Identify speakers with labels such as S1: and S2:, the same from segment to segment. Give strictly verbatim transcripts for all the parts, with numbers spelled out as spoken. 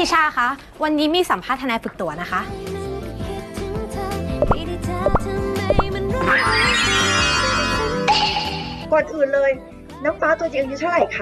S1: ทิชาคะวันนี้มีสัมภาษณ์ทนายฝึกตัวนะคะ
S2: ก่อนอื่นเลยน้ำฟ้าตัวจริงอายุเท่าไหร่คะ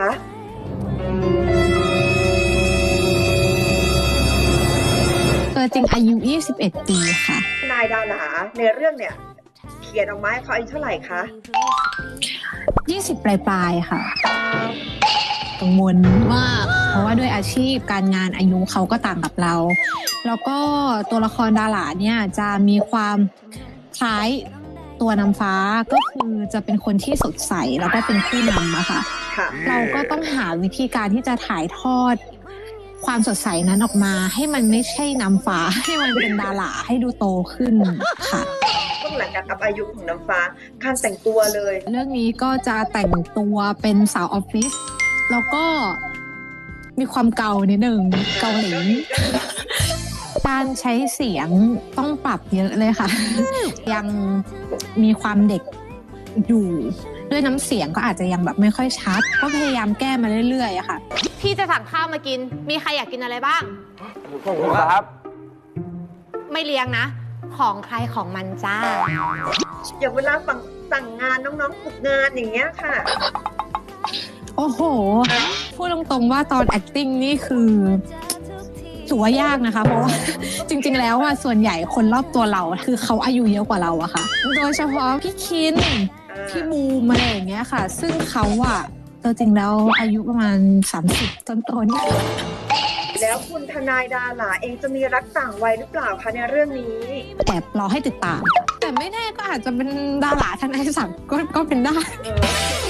S3: ตัวจริงอายุยี่สิบเอ็ดปีค่ะ
S2: นายดาหลาในเรื่องเนี่ยเขียนออกมาให้เขาอายุเท่าไหร่คะ
S3: ยี่สิบปลายๆค่ะกังวลมากเพราะว่าด้วยอาชีพการงานอายุเขาก็ต่างกับเรา แล้วก็ตัวละครดาหลาเนี่ยจะมีความคล้ายตัวนำฟ้าก็คือจะเป็นคนที่สดใสแล้วก็เป็นผู้นำอะค่ะเราก็ต้องหาวิธีการที่จะถ่ายทอดความสดใสนั้นออกมาให้มันไม่ใช่นำฟ้าให้มันเป็นดาหลาให้ดูโตขึ้นค่ะ
S2: ต้องหลังจากกับอายุของน้ำฟ้าการแต่งตัวเลย
S3: เรื่องนี้ก็จะแต่งตัวเป็นสาวออฟฟิศแล้วก็มีความเกานิดนึงเกาหลีการใช้เสียงต้องปรับเยอะเลยค่ะยังมีความเด็กอยู่ด้วยน้ำเสียงก็อาจจะยังแบบไม่ค่อยชัดก็พยายามแก้มาเรื่อยๆอะค่ะ
S1: พี่จะสั่งข้าวมากินมีใครอยากกินอะไรบ้าง
S4: ขอบคุณครับ
S1: ไม่เลี้ยงนะของใครของมันจ้า
S2: อย่างเวลาสั่งสั่งงานน้องๆฝึกงานอย่างเงี้ยค่ะ
S3: โอ้โหพูดตรงๆว่าตอน acting นี่คือถือว่ายากนะคะเพราะว่าจริงๆแล้วอ่ะส่วนใหญ่คนรอบตัวเราคือเขาอายุเยอะกว่าเราอะค่ะโดยเฉพาะพี่คินพี่บูมอะไรอย่างเงี้ยค่ะซึ่งเขาอะตัวจริงแล้วอายุประมาณสามสิบต้นๆ
S2: แล้วคุณทนายดาหลาเองจะมีรักต่างวัยหรือเปล่าคะในเรื่องนี้
S3: แอบรอให้ติดตามแต่ไม่แน่ก็อาจจะเป็นดาราทนายศักดิ์ก็ก็เป็นได้